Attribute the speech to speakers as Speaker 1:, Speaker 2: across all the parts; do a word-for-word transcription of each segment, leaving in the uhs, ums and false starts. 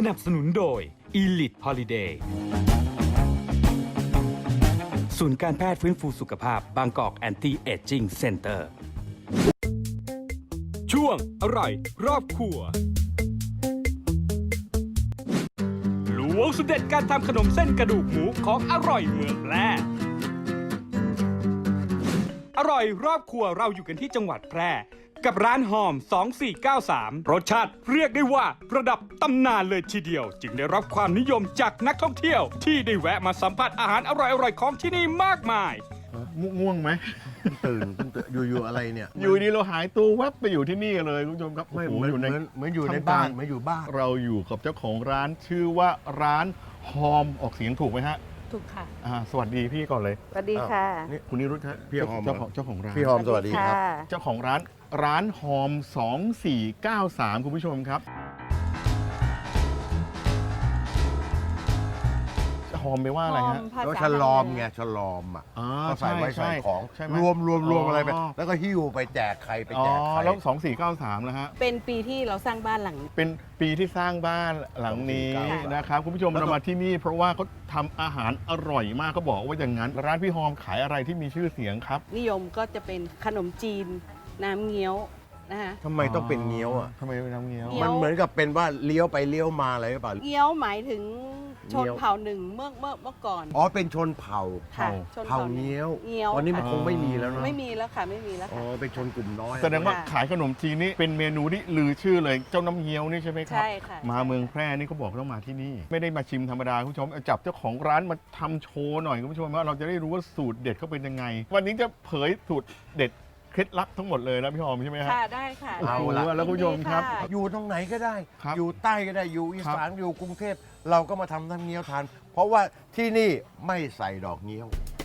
Speaker 1: นับสนุนโดย Elite Holiday ศูนย์การแพทย์ฟื้นฟูสุขภาพบางกอกแอนตี้เอจจิ้งเซ็นเตอร์ช่วงอร่อยรอบครัวล้วงสุดเด็ดการทำขนมเส้นกระดูกหมูของอร่อยเมืองแพร่อร่อยรอบครัวเราอยู่กันที่จังหวัดแพร่กับร้านหอมสองสี่เก้าสามรสชาติเรียกได้ว่าระดับตำนานเลยทีเดียวจึงได้รับความนิยมจากนักท่องเที่ยวที่ได้แวะมาสัมผัสอาหารอร่อยๆของที่นี่มากมาย
Speaker 2: ง่วงไหม
Speaker 3: ตื่นตื่นอยู่ๆอะไรเนี่ย
Speaker 2: อยู่ดีเราหายตัวแวบไปอยู่ที่นี่เลยคุณผู้ชมครับ
Speaker 3: ไม่
Speaker 2: โอ้
Speaker 3: เห
Speaker 2: โห
Speaker 3: มือน
Speaker 2: อยู่
Speaker 3: เห
Speaker 2: ใน
Speaker 3: มือนเหมือนอยู่ใน
Speaker 2: ทำ
Speaker 3: บ้าน
Speaker 2: กล
Speaker 3: เหมือนอยู่บ้าน
Speaker 2: เราอยู่กับเจ้าของร้านชื่อว่าร้านหอมออกเสียงถูกไหมฮะ
Speaker 4: ถูกค่ะ
Speaker 2: อ่าสวัสดีพี่ก่อนเลย
Speaker 4: สวัสดีค่ะ
Speaker 2: นี่คุณนิรุธฮะ
Speaker 3: พี่หอม
Speaker 2: เจ้าของเจ้าของร้าน
Speaker 3: พี่หอมสวัสดีครับ
Speaker 2: เจ้าของร้านร้านหอมสองสี่เก้าสามคุณผู้ชมครับหอมไปว่าอะไรฮะ
Speaker 3: แล้วฉลอมไงฉลอมอ่ะ
Speaker 2: อ๋อ
Speaker 3: ก็ใส่ไว้
Speaker 2: ใช่
Speaker 3: ใส่ของ
Speaker 2: ใช่ไหม
Speaker 3: รวมรวมรวม
Speaker 2: อ๋ออ
Speaker 3: อะไรไปแล้วก็หิ้วไปแจกใครไป
Speaker 2: อ๋อ
Speaker 3: แจกใคร
Speaker 2: แล้วสองสี่เก้าสามนะฮะ
Speaker 4: เป็นปีที่เราสร้างบ้านหลัง
Speaker 2: เป็นปีที่สร้างบ้านหลังนี้
Speaker 3: ค่ะ
Speaker 2: นะครับคุณผู้ชมเรามาที่นี่ เพราะว่าเขาทำอาหารอร่อยมากเขาบอกว่าอย่างนั้น ร้านพี่หอมขายอะไรที่มีชื่อเสียงครับ
Speaker 4: นิยมก็จะเป็นขนมจีน น้ำเงี้ยวนะคะ
Speaker 3: ทำไมต้องเป็นเงี้ยวอ่ะ
Speaker 2: ทำไมเป็นน้ำเงี้ยว
Speaker 4: เงี้ยว
Speaker 3: มันเหมือนกับเป็นว่าเลี้ยวไปเลี้ยวมาอะไรหรือเปล่า
Speaker 4: เงี้ยวหมายถึงชน
Speaker 3: เงี้ยว
Speaker 4: เผ่าหนึ่งเมื่อเมื่อเมื่อก่อน
Speaker 3: อ๋อเป็นชนเผ่า
Speaker 4: ค่ะชน
Speaker 3: เผ่า
Speaker 4: เผ่าหนึ่ง
Speaker 3: เงี้ยว
Speaker 4: เงี้ยว
Speaker 3: ตอนนี้มัน
Speaker 4: ค่ะ
Speaker 3: คงไม่มีแล้วเนอะ
Speaker 4: ไม่มีแล้วค่ะไม่มีแล้ว
Speaker 3: อ๋อ
Speaker 4: ค่ะ
Speaker 3: เป็นชนกลุ่มน้อย
Speaker 2: แสดงว่า
Speaker 4: ค่ะ
Speaker 2: ขายขนมจีนนี่เป็นเมนูที่ลือชื่อเลยเจ้าน้ำเงี้ยวนี่ใช่ไหมครับ
Speaker 4: ใช่ค่ะ
Speaker 2: มาเมืองแพร่นี่เขาบอกต้องมาที่นี่ ไม่ได้มาชิมธรรมดาคุณผู้ชมเอาจับเจ้าของร้านมาทำโชว์หน่อยคุณผู้ชมว่าเราจะได้รู้ว่าสูตรเด็ดเขาเป็นยังไง วันนี้จะเผยสูตรเด็ดเคล็ดลับทั้งหมดเลยนะพี่หอมใช่ไหมฮะ
Speaker 4: ค่ะได้ค่ะ
Speaker 2: โอ้
Speaker 4: ได้
Speaker 2: โห
Speaker 4: ค่ะ
Speaker 2: แล้วคุณผู้ชมครับ
Speaker 4: ยินดีะ
Speaker 3: อยู่ตรงไหนก็ได้
Speaker 2: ครับ
Speaker 3: อยู่ใต้ก็ได้อยู่อี
Speaker 2: ครับ
Speaker 3: สานอยู่กรุงเทพเราก็มาทำน้ำเงี้ยวทาน เพราะว่าที่นี่ไม่ใส่ดอกเงี้ยว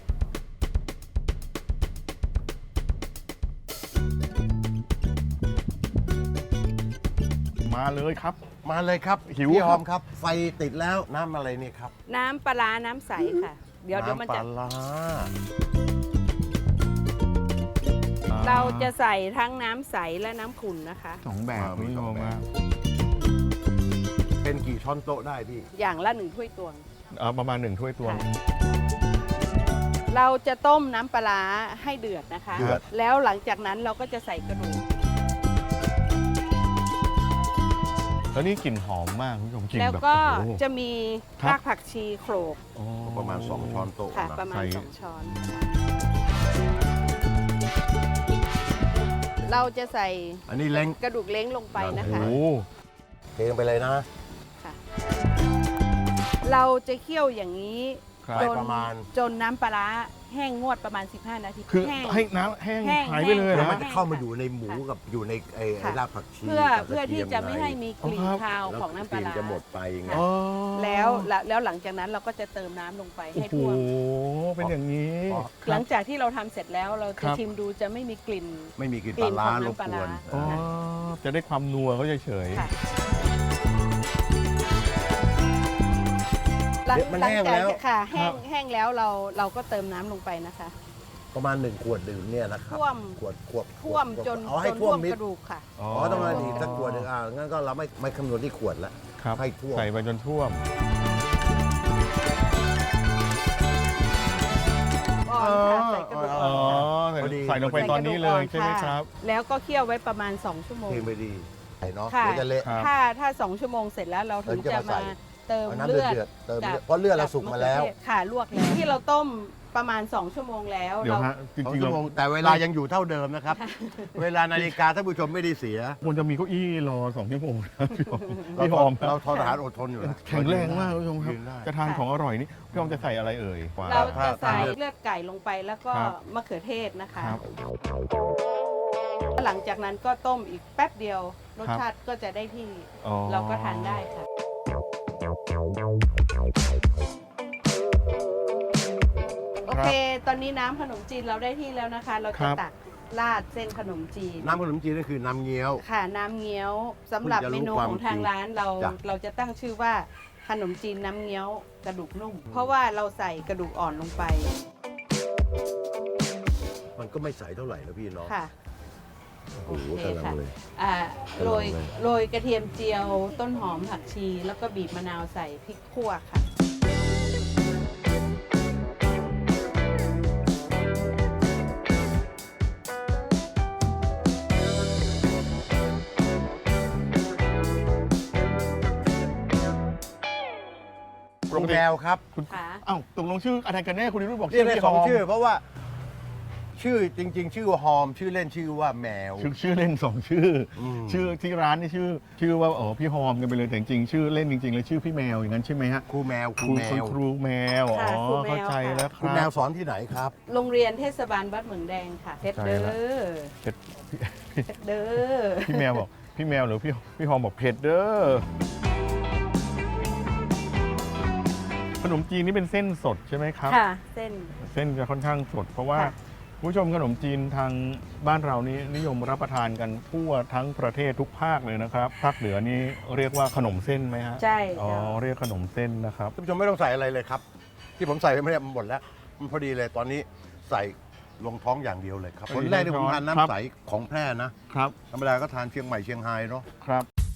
Speaker 2: มาเลยครับ
Speaker 3: มาเลยครับ
Speaker 2: หิว
Speaker 3: พี่หอม
Speaker 2: ครับ
Speaker 3: ครับ ไฟติดแล้วน้ำอะไรเนี่ยครับ
Speaker 4: น้ำปลาร้าน้ำใสค่ะ เดี๋ยวเดี๋ยวมัน
Speaker 3: น้ำป
Speaker 4: จะ
Speaker 3: ลาร้า
Speaker 4: เราจะใส่ทั้งน้ำใสและน้ำขุ่นนะคะ
Speaker 2: สองแบบคุณผู้ชมครับ
Speaker 3: เป็นกี่ช้อนโต๊ะได้พี่
Speaker 4: อย่างละหนึ่งถ้วยตวง
Speaker 2: เอาประมาณหนึ่งถ้วยตวง
Speaker 4: ค่ะ เราจะต้มน้ำปลาร้าให้เดือดนะคะ
Speaker 3: เดือด
Speaker 4: แล้วหลังจากนั้นเราก็จะใส่กระดูก
Speaker 2: แล้วนี่กลิ่นหอมมากคุณผู้ชมกลิ่น
Speaker 4: แล้ว
Speaker 2: แบบ
Speaker 4: ก็
Speaker 2: โอ้โห
Speaker 4: จะมี
Speaker 2: ครับ
Speaker 4: รากผักชีโขลก
Speaker 2: อ๋อ
Speaker 3: ประมาณสองช้อนโต๊ะ
Speaker 4: ค่ะ
Speaker 3: นะ
Speaker 4: ประมาณ
Speaker 2: ใส่
Speaker 4: สองช้อน เราจะใส่
Speaker 3: อันนี้เล้ง
Speaker 4: กระดูกเล้งลงไปนะ
Speaker 2: โอ้
Speaker 4: คะ
Speaker 2: โห
Speaker 3: เทลงไปเลยนะ
Speaker 4: ค่ะ เราจะเคี่ยวอย่างนี้
Speaker 2: ครับ
Speaker 4: จน
Speaker 3: ประมาณ
Speaker 4: จนน้ำปลาร้าแห้งงวดประมาณ สิบห้า นาที
Speaker 2: คือ
Speaker 4: แห้ง
Speaker 2: ให้น้ำแห้ง
Speaker 4: แห้ง
Speaker 2: หายไปเลย
Speaker 3: เดี๋ยว
Speaker 2: นะ
Speaker 3: มันจะเข้ามาอยู่ในหมูกับอยู่ในไอ้ไอ้
Speaker 4: ค่ะ
Speaker 3: รากผักชี
Speaker 4: เพื่อ
Speaker 3: กับ
Speaker 4: เพื่อก
Speaker 3: ร
Speaker 4: ที่
Speaker 3: ทีย
Speaker 4: จะไม่ให้มีกลิ่น
Speaker 2: อ๋อครับ
Speaker 4: คาว
Speaker 3: แล้ว
Speaker 4: ของน้ำปลาร้า
Speaker 3: จะหมดไปไง
Speaker 4: ค่ะ
Speaker 2: อ๋อ
Speaker 4: แล้วแล้วแล้วหลังจากนั้นเราก็จะเติมน้ำลงไป
Speaker 2: โอ้
Speaker 4: ให้
Speaker 2: โห
Speaker 4: ท่วม
Speaker 2: เป็นอย่างนี้
Speaker 3: อ๋อ
Speaker 4: หลังจากที่เราทำเสร็จแล้วเรา
Speaker 2: ครั
Speaker 4: จะ
Speaker 2: บ
Speaker 4: ชิมดูจะไม่มีกลิ่น
Speaker 3: ไม่มีกลิ่น
Speaker 4: กลิ่
Speaker 3: ปลาน ร้า
Speaker 4: ของ
Speaker 3: ร
Speaker 4: น้ำ
Speaker 3: บ
Speaker 4: ปลาก ร้า
Speaker 3: วน
Speaker 2: อ๋อจะได้ความนัวเขาเฉย
Speaker 4: ค่ะหลัง
Speaker 3: มัน
Speaker 4: หลั
Speaker 3: แห้ง
Speaker 4: จาก
Speaker 3: แล้ว
Speaker 4: ค่ะแห้งแห้งแล้วเราเราก็เติมน้ำลงไปนะคะ
Speaker 3: ประมาณหนึ่งขวดดื่มเนี่ยนะครับ
Speaker 4: ท่วม
Speaker 3: ขวดขวด
Speaker 4: ท่วม
Speaker 3: ขด
Speaker 4: จน
Speaker 3: เอาให้
Speaker 4: จน
Speaker 3: ท่วมมิด
Speaker 4: กระดูกค่ะ
Speaker 2: ๆ
Speaker 3: อ๋อต้องมาดีสักขวดหนึ่งอ่างั้นก็เราไม่ไม่คำนวณที่ขวดแล้ว
Speaker 2: ครับ
Speaker 3: ให้ท่วม
Speaker 2: ใส่ไปจนท่วม
Speaker 4: ก่อนค่ะใส่กระดูก
Speaker 2: อ๋
Speaker 4: อ่
Speaker 2: อ
Speaker 4: อน
Speaker 2: ใส่
Speaker 3: พอดี
Speaker 2: ใส่ลงไปตอนนี้เลยใช่ไหม
Speaker 4: ะ
Speaker 2: ครับ
Speaker 4: แล้วก็เคี่ยวไว้ประมาณ สอง ชั่วโมง
Speaker 3: เทไปดีใส่เนาะ
Speaker 4: ค่ะ
Speaker 3: เดี๋ยวจะเละ
Speaker 2: ครับ
Speaker 4: ถ้าถ้าสองชั่วโมงเสร็จแล้วเราถึง
Speaker 3: เราจะ
Speaker 4: จะ
Speaker 3: มาใส่
Speaker 4: มาเติม
Speaker 3: เอาน้ำ
Speaker 4: เลือด
Speaker 3: เดือดๆเติม
Speaker 4: กับ
Speaker 3: เลือดเพราะเลือดเราสุกมาแล้ว
Speaker 4: บะเขือเทศค่ะลวกแล้วที่เราต้มประมาณ สอง ชั่วโมงแล้ว
Speaker 2: เดี๋ยว
Speaker 4: เรา
Speaker 2: ฮะจ
Speaker 3: สอง
Speaker 2: ริงๆ
Speaker 3: ชั่
Speaker 2: เรา
Speaker 3: วโมงแต่เวลายังอยู่เท่าเดิมนะครับ เวลานาฬิกาท่านผู้ชมไม่ได้เสีย
Speaker 2: ควรจะมีเก้าอี้รอสองชั่วโมงนะพี่หอม
Speaker 3: เรา
Speaker 2: พี่หอม
Speaker 3: เราทนทหารอดทนอยู่นะ
Speaker 2: แข็งแรงมากคุณผู้ชมครับ
Speaker 3: ยืนได้
Speaker 2: จะทานของอร่อยนี่พี่หอมจะใส่อะไรเอ่ย
Speaker 4: เราจะ
Speaker 3: ถ้า
Speaker 4: ใส่
Speaker 3: ถ้า
Speaker 4: เลือดไก่ลงไปแล้วก็
Speaker 2: ครับ
Speaker 4: มะเขือเทศนะคะ
Speaker 2: ครับ
Speaker 4: หลังจากนั้นก็ต้มอีกแป๊บเดียว รส
Speaker 2: ครับ
Speaker 4: ชาติก็จะได้ที่
Speaker 2: อ๋อ
Speaker 4: เราก็ทานได้ค่ะ โอเค ตอนนี้น้ำขนมจีนเราได้ที่แล้วนะคะ เรา
Speaker 2: ครั
Speaker 4: จะ
Speaker 2: บ
Speaker 4: ตักราดเส้นขนมจีน
Speaker 3: น้ำขนมจีนนั่นคือน้ำเงี้ยว
Speaker 4: ค่ะ น้ำเงี้ยวสำหรับ
Speaker 3: คุณจะรู้
Speaker 4: เมนู
Speaker 3: ความ
Speaker 4: ของทาง
Speaker 3: จริง
Speaker 4: ร้านเรา
Speaker 3: จ้ะ
Speaker 4: เราจะตั้งชื่อว่าขนมจีนน้ำเงี้ยวกระดูกนุ่ม เพราะว่าเราใส่กระดูกอ่อนลงไป
Speaker 3: มันก็ไม่ใสเท่าไหร่นะพี่เนาะ
Speaker 4: ค่ะ
Speaker 3: โอ้โห
Speaker 4: โอเค
Speaker 3: กำลัง
Speaker 4: ค่ะ
Speaker 3: เลย
Speaker 4: อ่าโรย
Speaker 3: กำลังเลย
Speaker 4: โรยกระเทียมเจียวต้นหอมผักชี แล้วก็บีบมะนาวใส่พริกขั่วค่ะ
Speaker 3: ครูแมวครับ
Speaker 2: คุณ
Speaker 4: ค่ะ
Speaker 2: เอ้าตกลงชื่ออะไรกันแน่คุณนิรุตบอก
Speaker 3: เรียกได้
Speaker 2: พี่
Speaker 3: สอง
Speaker 2: ฮม
Speaker 3: ชื่อ เพราะว่า ชื่อจริง ๆ ชื่อว่าฮอม ชื่อเล่นชื่อว่าแมว
Speaker 2: ชื่อชื่อเล่นสองชื่ออ
Speaker 3: ม
Speaker 2: ชื่อที่ร้านนี่ชื่อ ชื่อว่าอ๋อพี่ฮอมกันไปเลยแต่จริงๆชื่อเล่นจริงๆเลยชื่อพี่แมวอย่างนั้นใช่ไหมฮะ
Speaker 3: ครูแมวค
Speaker 2: ค
Speaker 3: รู
Speaker 2: รู
Speaker 3: แม
Speaker 2: คุณ
Speaker 3: ว
Speaker 2: ครูแมวอ๋
Speaker 4: ค่ะ
Speaker 2: อ
Speaker 4: ครูแมว
Speaker 2: เข้าใจ
Speaker 4: ค่ะ
Speaker 2: แล้วค
Speaker 3: คุณ
Speaker 2: รับ
Speaker 3: แมวสอนที่ไหนครับ
Speaker 4: โรงเรียนเทศบาลวัดเหมืองแดงค่ะเพชรเด้อ
Speaker 2: เผ็ด
Speaker 4: เพชรเด้อ
Speaker 2: พี่แมวบอกพี่แมวหรือพี่พี่ฮอมบอกเผ็ดเด้อขนมจีนนี่เป็นเส้นสดใช่ไหมครับ
Speaker 4: ค่ะ เส้น
Speaker 2: เส้นจะค่อนข้างสด เพราะว่า
Speaker 4: ค่ะ
Speaker 2: คุณผู้ชมขนมจีนทางบ้านเรานี้นิยมรับประทานกันทั่วทั้งประเทศทุกภาคเลยนะครับ ภาคเหนือนี่เรียกว่าขนมเส้นไหมฮะ
Speaker 4: ใช่
Speaker 2: อ๋อ
Speaker 4: เจ้า
Speaker 2: เรียกขนมเส้นนะครับ
Speaker 3: ท่านผู้ชมไม่ต้องใส่อะไรเลยครับ ที่ผมใส่ไปไม่ได้มันหมดแล้ว มันพอดีเลยตอนนี้ใส่ลงท้องอย่างเดียวเลยครับ
Speaker 2: อัน
Speaker 3: ค
Speaker 2: นี้
Speaker 3: นแรกที่ผมทาน
Speaker 2: ครับ
Speaker 3: น้ำใสของแพร่นะ
Speaker 2: ครับ
Speaker 3: ธรรมดาก็ทานเชียงใหม่เชียงรายเนาะ
Speaker 2: ครับ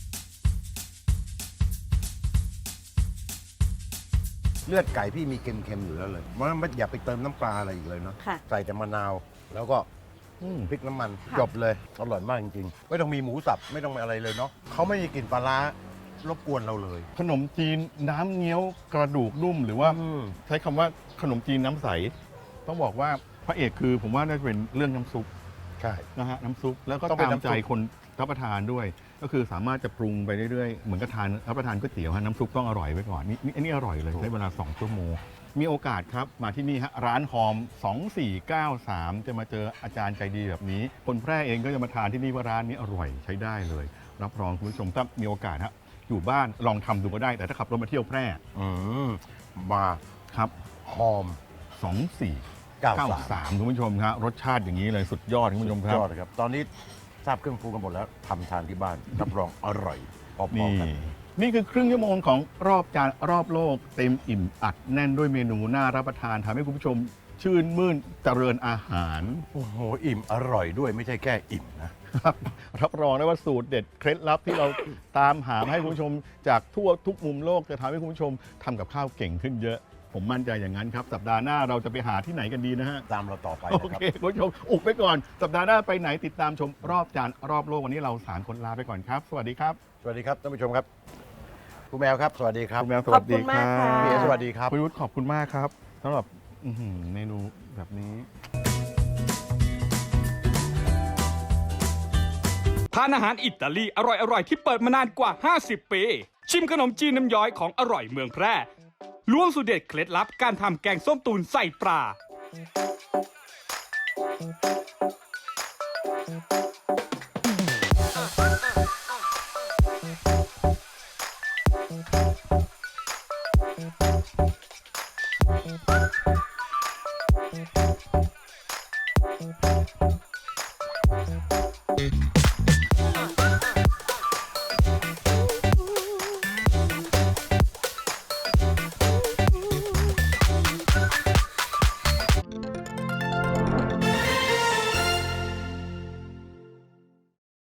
Speaker 3: เลือดไก่พี่มีเค็มๆอยู่แล้วเลยเพราะฉะนั้นไม่อย่าไปเติมน้ำปลาอะไรอีกเลยเนาะ
Speaker 4: ค่ะ
Speaker 3: ใส่แต่มะนาว แล้วก็
Speaker 2: อืม
Speaker 3: พริกน้ำมัน
Speaker 4: ค่ะ
Speaker 3: จบเลยอร่อยมากจริงๆ ไม่ต้องมีหมูสับไม่ต้องมีอะไรเลยเนาะเขาไม่มีกลิ่นปลาร้ารบกวนเราเลย
Speaker 2: ขนมจีนน้ำเงี้ยวกระดูกนุ่มหรือว่า
Speaker 3: อืม
Speaker 2: ใช้คำว่าขนมจีนน้ำใส ต้องบอกว่าพระเอกคือผมว่าน่าจะเป็นเรื่องน้ำซุป
Speaker 3: ใช่
Speaker 2: นะฮะน้ำซุปแล้วก็
Speaker 3: ต้องเป็น
Speaker 2: ตาม
Speaker 3: น้ำซุป
Speaker 2: ใจคนรับประทานด้วย ก็คือสามารถจะปรุงไปเรื่อยๆ เหมือนกับทานรับประทานก๋วยเตี๋ยวฮะน้ำซุปต้องอร่อยไว้ก่อนนี่นี่อันนี้อร่อยเลยใช้เวลาสองชั่วโมง มีโอกาสครับมาที่นี่ฮะร้านหอม สองสี่เก้าสาม จะมาเจออาจารย์ใจดีแบบนี้ คนแพร่เองก็จะมาทานที่นี่ว่าร้านนี้อร่อยใช้ได้เลย รับรองคุณผู้ชมถ้ามีโอกาสฮะอยู่บ้านลองทำดูก็ได้ แต่ถ้าขับรถมาเที่ยวแพร่
Speaker 3: อืมมา
Speaker 2: ครับ
Speaker 3: หอม
Speaker 2: สองสี่
Speaker 3: เก้า
Speaker 2: เก้า
Speaker 3: สาม
Speaker 2: สามคุณผู้ชมครับรสชาติอย่างนี้เลยสุดยอดคุณผู้ชมครั
Speaker 3: ย
Speaker 2: บ
Speaker 3: อดเลยครับ ตอนนี้ทราบเครื่องปรุงกันหมดแล้วทำทานที่บ้านรับรองอร่อยพอ
Speaker 2: นี่
Speaker 3: ๆกัน
Speaker 2: นี่คือครึ่งชั่วโมงของรอบจานรอบโลก เต็มอิ่มอัดแน่นด้วยเมนูน่ารับประทานทำให้คุณผู้ชม ชื่นมื่นเจริญอาหาร
Speaker 3: โอ้โหอิ่มอร่อยด้วยไม่ใช่แค่อิ่มนะ
Speaker 2: ครับรับรองได้ว่าสูตรเด็ดเคล็ดลับที่เรา ตามหามาให้คุณผู้ชม จากทั่วทุกมุมโลกจะทำให้คุณผู้ชมทำกับข้าวเก่งขึ้นเยอะ ผมมั่นใจอย่างนั้นครับ สัปดาห์หน้าเราจะไปหาที่ไหนกันดีนะฮะ
Speaker 3: ตามเราต่อไป
Speaker 2: โอ
Speaker 3: นะครับ
Speaker 2: เคคุณผู้ชมอุบไปก่อน สัปดาห์หน้าไปไหนติดตามชมรอบจานรอบโลกวันนี้เราสามคนลาไปก่อนครับ สวัสดีครับ
Speaker 3: สวัสดีครับท่านผู้ชมครับคุณแมวครับ สวัสดีครับ
Speaker 2: คุณแมวส
Speaker 4: ข
Speaker 2: วั
Speaker 4: อบ
Speaker 2: ส
Speaker 4: คุ
Speaker 2: ดี
Speaker 4: ณ
Speaker 2: ค
Speaker 4: มาก
Speaker 2: รั
Speaker 4: ค่ะ
Speaker 3: พี่เอ
Speaker 2: บ
Speaker 3: สวัสดีครับ
Speaker 2: คุณยุทธขอบคุณมากครับสำหรับอื้อหือเมนูแบบนี้
Speaker 1: ทานอาหารอิตาลีอร่อยๆ ที่เปิดมานานกว่า ห้าสิบ ปี ชิมขนมจีนน้ำย้อยของอร่อยเมืองแพร่ล้วงสูตรเด็ดเคล็ดลับการทำแกงส้มตูนใส่ปลา